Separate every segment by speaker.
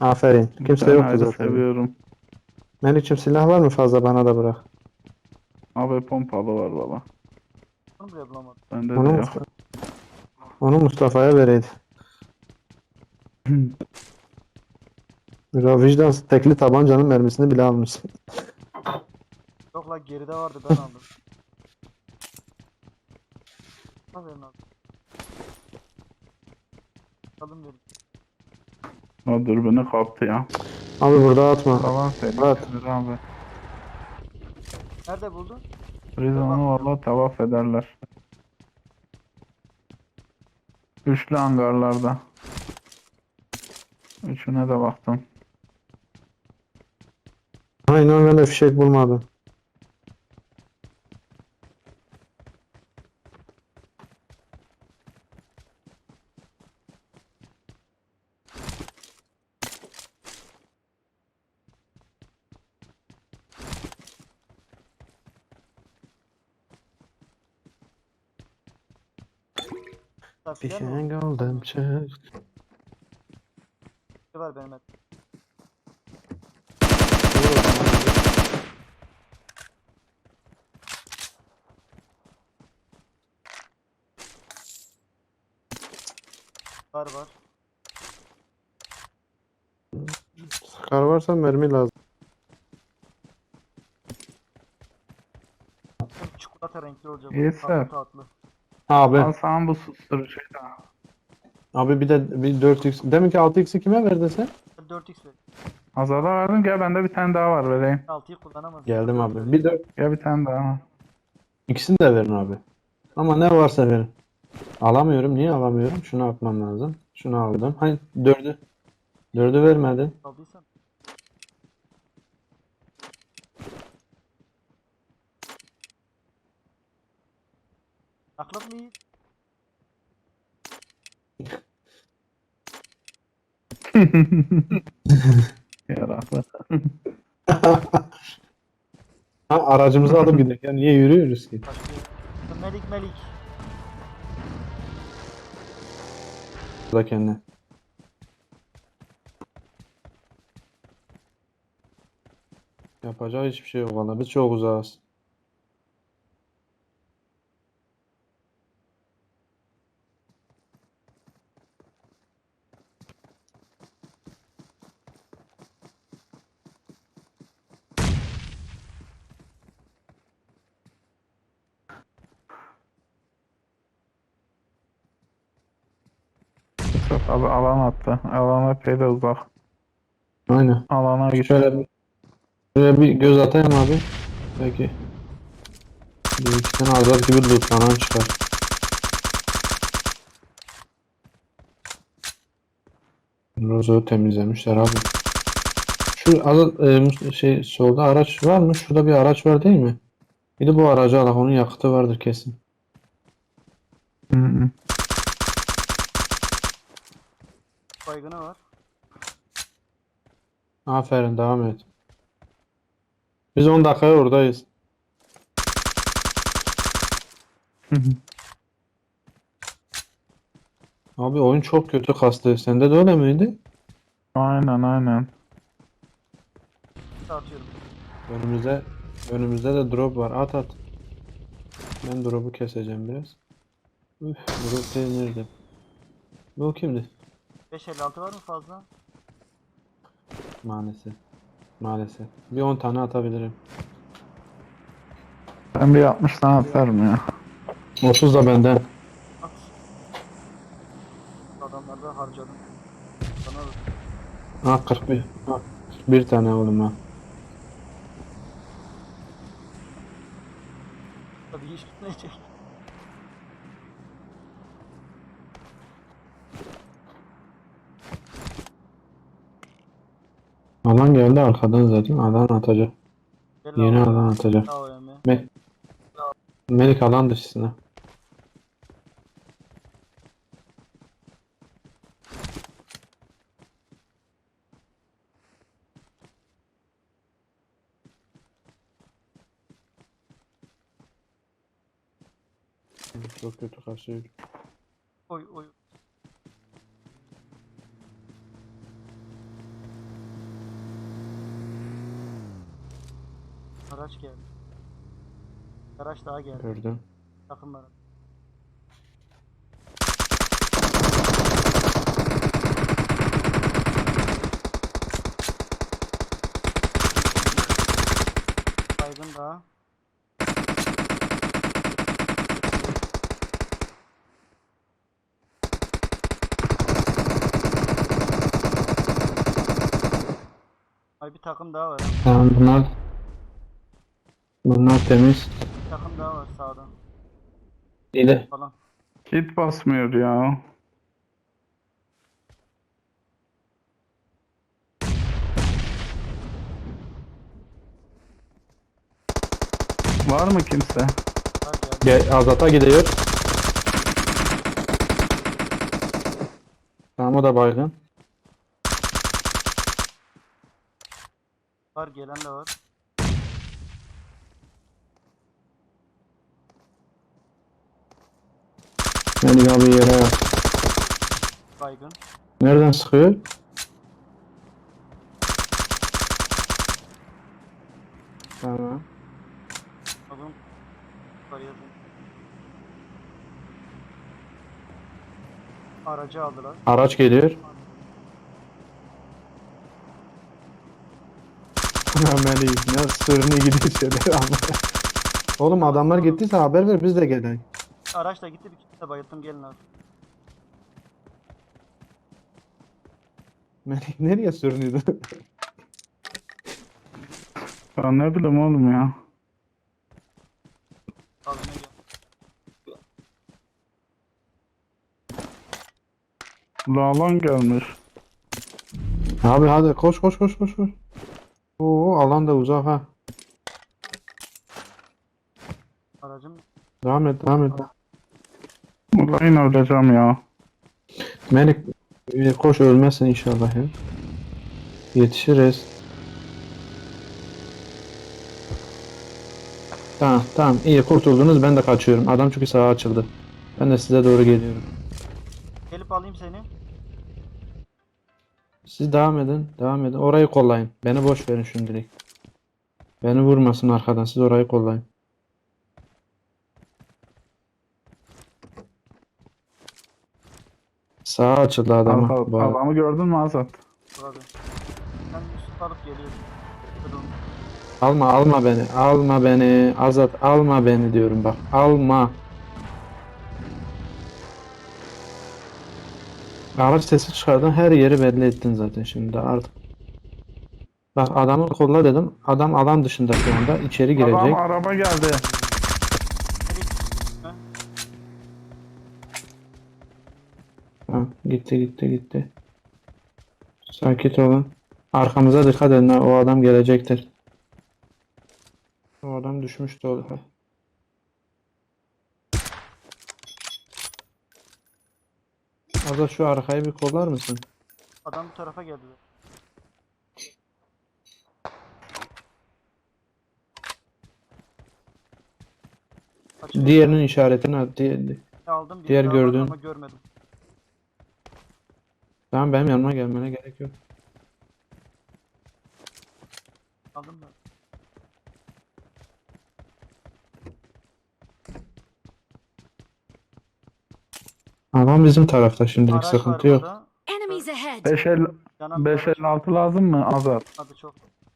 Speaker 1: Aferin. Kimse
Speaker 2: Ben
Speaker 1: yoktu
Speaker 2: ayrı
Speaker 1: zaten.
Speaker 2: seviyorum.
Speaker 1: Melik'cim silah var mı fazla, bana da bırak.
Speaker 2: Abi pompalı var valla.
Speaker 3: Onu bile bulamadım.
Speaker 2: Bende de
Speaker 1: Onu,
Speaker 2: yok.
Speaker 1: onu Mustafa'ya vereydi. Ya vicdansız, tekli tabancanın mermisini bile almış.
Speaker 3: Yok la geride vardı ben aldım. Aferin abi. Aldım dedim.
Speaker 2: O dürbünü kaptı ya.
Speaker 1: Abi burada atma.
Speaker 2: Falan
Speaker 1: At.
Speaker 2: tehlikelidir abi.
Speaker 3: Nerede buldun?
Speaker 2: Biz
Speaker 3: Dur
Speaker 2: onu
Speaker 3: bakmıyorum.
Speaker 2: valla tavaf ederler. Üçlü hangarlarda. Üçüne de baktım.
Speaker 1: Aynen, ben de fişek bulmadım.
Speaker 3: Misafirler mi
Speaker 1: Fişek
Speaker 3: oldu?
Speaker 1: aldım çık.
Speaker 3: Ne var benim et? Var.
Speaker 1: Kar varsa mermi lazım.
Speaker 3: Hem çikolata renkli olacak o. Tatlı
Speaker 2: İyisi.
Speaker 3: tatlı.
Speaker 1: Abi.
Speaker 2: Al sana bu susturucuyu da.
Speaker 1: Abi bir de bir 4x. Demin ki 6x'i kime verdin sen?
Speaker 3: 4x ver.
Speaker 2: Azada verdim. Gel bende bir tane daha var vereyim.
Speaker 3: 6'yı kullanamaz ya.
Speaker 1: Geldim
Speaker 3: 4'ü
Speaker 1: abi. Bir
Speaker 3: vereyim.
Speaker 1: 4.
Speaker 2: Gel bir tane daha.
Speaker 1: İkisini de verin abi. Ama ne varsa verin. Alamıyorum. Niye alamıyorum? Şunu atmam lazım. Şunu aldım. Hayır, 4'ü. 4'ü vermedin.
Speaker 3: Aldıysan. Aklım iyi.
Speaker 2: Yaraklı.
Speaker 1: Ha, aracımızı alıp gidelim. Ya niye yürüyoruz ki?
Speaker 3: Başlıyor. Melik.
Speaker 1: Da kendine. Yapacağı hiçbir şey yok valla. Biz çok uzağız.
Speaker 2: Çok abi alan attı. Alan epey de uzak.
Speaker 1: Aynen.
Speaker 2: Alana git.
Speaker 1: Şöyle bir göz atayım abi. Belki bir iki tane azat gibi loot falan çıkar. Rozo'yu temizlemişler abi. Şu azat şey solda araç var mı? Şurada bir araç var değil mi? Bir de bu aracı alak. Onun yakıtı vardır kesin.
Speaker 2: Hı hı.
Speaker 3: Baygını var.
Speaker 1: Aferin, devam et. Biz 10 dakikaya oradayız.
Speaker 2: Hı hı.
Speaker 1: Abi oyun çok kötü kastı. Sende de öyle miydi?
Speaker 2: Aynen.
Speaker 3: Atıyorum.
Speaker 1: Önümüzde önümüzde de drop var. At at. Ben drop'u keseceğim biraz. Üf, drop değil nerede? Bu kimdi?
Speaker 3: 556 var mı fazla?
Speaker 1: Maalesef. Maalesef. Bir 10 tane atabilirim.
Speaker 2: Ben bir 60 tane atarım ya.
Speaker 1: 30 da benden.
Speaker 3: At. Adamlarda harcadım. Sana da.
Speaker 1: Ha 41. Ha, 41 tane oğlum ha.
Speaker 3: Tabii hiç bitmeyecek.
Speaker 1: Alan geldi arkadan zaten. Alan atacak.
Speaker 3: Gel
Speaker 1: Yeni
Speaker 3: AVM.
Speaker 1: alan atacak.
Speaker 3: AVM.
Speaker 1: Me Melik alan dışısına. Çok kötü kasıyor.
Speaker 3: Oy. Araç geldi. Araç daha geldi.
Speaker 1: Gördüm.
Speaker 3: Takım var. Baygın daha. Ay bir takım daha var. Ha.
Speaker 1: Tamam bunlar temiz.
Speaker 3: Bir takım daha var sağda
Speaker 1: İle.
Speaker 3: falan.
Speaker 2: Kit basmıyor ya. Var mı kimse?
Speaker 3: Var geldi.
Speaker 1: Azat'a gidiyor. Tamam o da baygın.
Speaker 3: Var gelen de var.
Speaker 1: Melik abi yere yat.
Speaker 3: Baygın.
Speaker 1: Nereden sıkıyor? Tamam.
Speaker 3: Oğlum var yazın. Aracı aldılar.
Speaker 1: Araç geliyor. Melik ne sürünü gidiyor şöyle ama. Oğlum adamlar gittiyse haber ver biz de gelelim.
Speaker 3: Araç da gitti, bir kişi de bayılttım, gelin abi.
Speaker 1: Melik nereye sürünüyordu?
Speaker 2: Ben ne bileyim oğlum ya.
Speaker 3: Almaya gel.
Speaker 2: Lalan gelmiş.
Speaker 1: Abi hadi koş koş koş koş koş. Oo alan da uzak ha.
Speaker 3: Aracım
Speaker 1: Devam et devam et.
Speaker 2: Ulan yine öleceğim ya.
Speaker 1: Melik koş ölmezsin inşallah ya. Yetişiriz. Tamam tamam iyi kurtuldunuz ben de kaçıyorum. Adam çünkü sağa açıldı. Ben de size doğru geliyorum.
Speaker 3: gelip alayım seni.
Speaker 1: Siz devam edin devam edin. Orayı kollayın. Beni boş verin şimdilik. Beni vurmasın arkadan siz orayı kollayın. Sağa açıldı adama.
Speaker 2: Adamı gördün mü Azat?
Speaker 3: Burada. Ben Yusuf alıp geliyorum. Kırılmış.
Speaker 1: Alma beni. Alma beni. Azat alma beni diyorum bak. Alma. Araç sesi çıkardın her yeri belli ettin zaten şimdi artık. Bak adamı kolla dedim. Adam alan dışında şu anda. İçeri
Speaker 2: Adam
Speaker 1: girecek.
Speaker 2: araba geldi.
Speaker 3: Ha?
Speaker 1: Ha, gitti. Sakin olun. Arkamıza dikkat edin. Ha, o adam gelecektir. O adam düşmüştü orada. Azat şu arkayı bir kollar mısın?
Speaker 3: Adam bu tarafa geldi. Açık
Speaker 1: Diğerinin işaretini at.
Speaker 3: aldım, bir
Speaker 1: diğer
Speaker 3: daha vardı
Speaker 1: gördüğün.
Speaker 3: ama görmedim.
Speaker 1: Tamam benim yanıma gelmene gerek yok.
Speaker 3: Aldım da.
Speaker 1: Adam bizim tarafta şimdilik
Speaker 3: Araç var
Speaker 1: sıkıntı yok.
Speaker 3: burada.
Speaker 4: Enemies ahead!
Speaker 2: 556 lazım mı Azat?
Speaker 3: Hadi çok.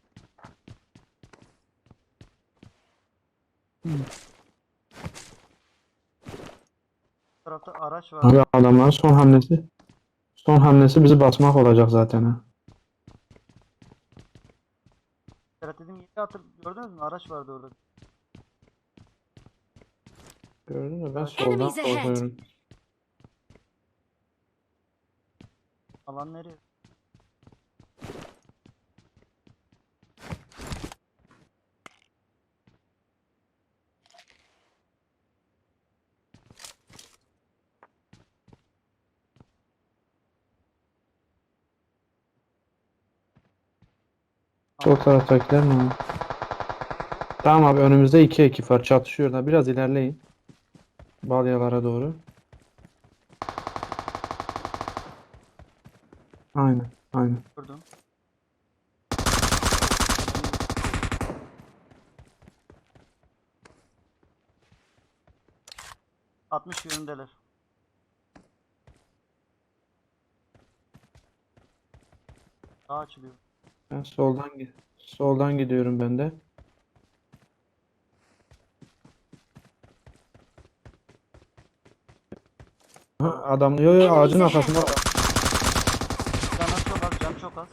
Speaker 3: Bu tarafta araç var.
Speaker 1: Abi adamların son hamlesi bizi basmak olacak zaten ha.
Speaker 3: Evet, dedim yeri gördünüz mü? Araç vardı orada.
Speaker 1: Gördün mü ben
Speaker 3: Evet.
Speaker 1: soldan
Speaker 4: Enemies ahead.
Speaker 1: korkuyorum.
Speaker 3: Alan nereye?
Speaker 1: Sol taraftakiler mi? Tamam abi önümüzde iki ekip var çatışıyorlar. Biraz ilerleyin. Balyalara doğru. Aynen.
Speaker 3: Gördüm. 60 yönündeler. Daha açılıyor.
Speaker 1: Ben soldan gidiyorum ben de. Ha, adam yo ağacın arkasında adam.
Speaker 3: Canı çok az, can çok az.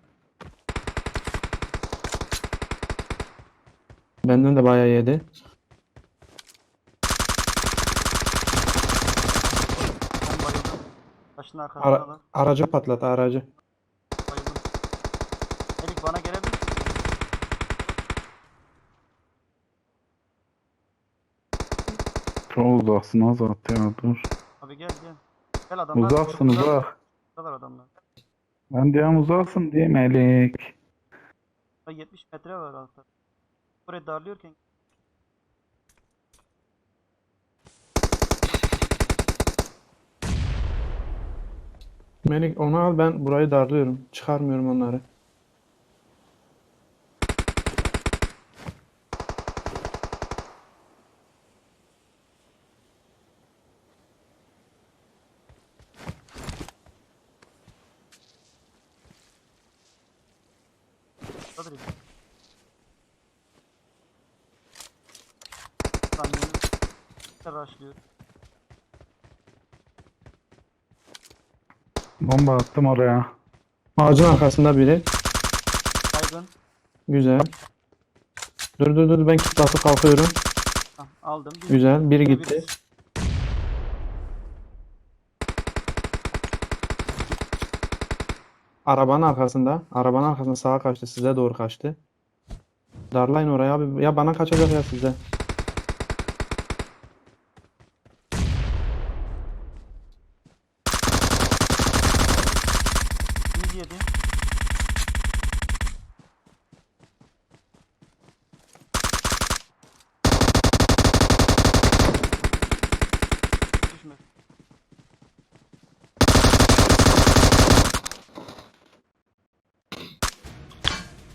Speaker 1: Benden de bayağı yedi.
Speaker 3: Ben bayıldım. Taşın arkasında da
Speaker 1: Aracı patlat aracı.
Speaker 3: bayıldım. Elik bana gelebilir misin?
Speaker 2: Çok uzaksın Azat ya dur.
Speaker 3: Abi gel gel. Gel adamlar.
Speaker 2: Uzaksın uzak.
Speaker 3: Buradalar adamlar.
Speaker 2: Ben diyorum uzaksın diye Melik.
Speaker 3: Bak 70 metre var altta. Burayı darlıyorken
Speaker 1: Melik onu al, ben burayı darlıyorum. Çıkarmıyorum onları.
Speaker 3: buradadır ya. Kamyonu rushlıyor.
Speaker 2: Bomba attım oraya.
Speaker 1: Ağacın arkasında biri.
Speaker 3: Baygın.
Speaker 1: Güzel. Dur ben kit basıp kalkıyorum.
Speaker 3: Hah, aldım. Bir
Speaker 1: Güzel. Biri
Speaker 3: bir-
Speaker 1: gitti. Arabanın arkasında. Arabanın arkasında sağa kaçtı. Size doğru kaçtı. Darlayın oraya abi. Ya bana kaçacak ya size.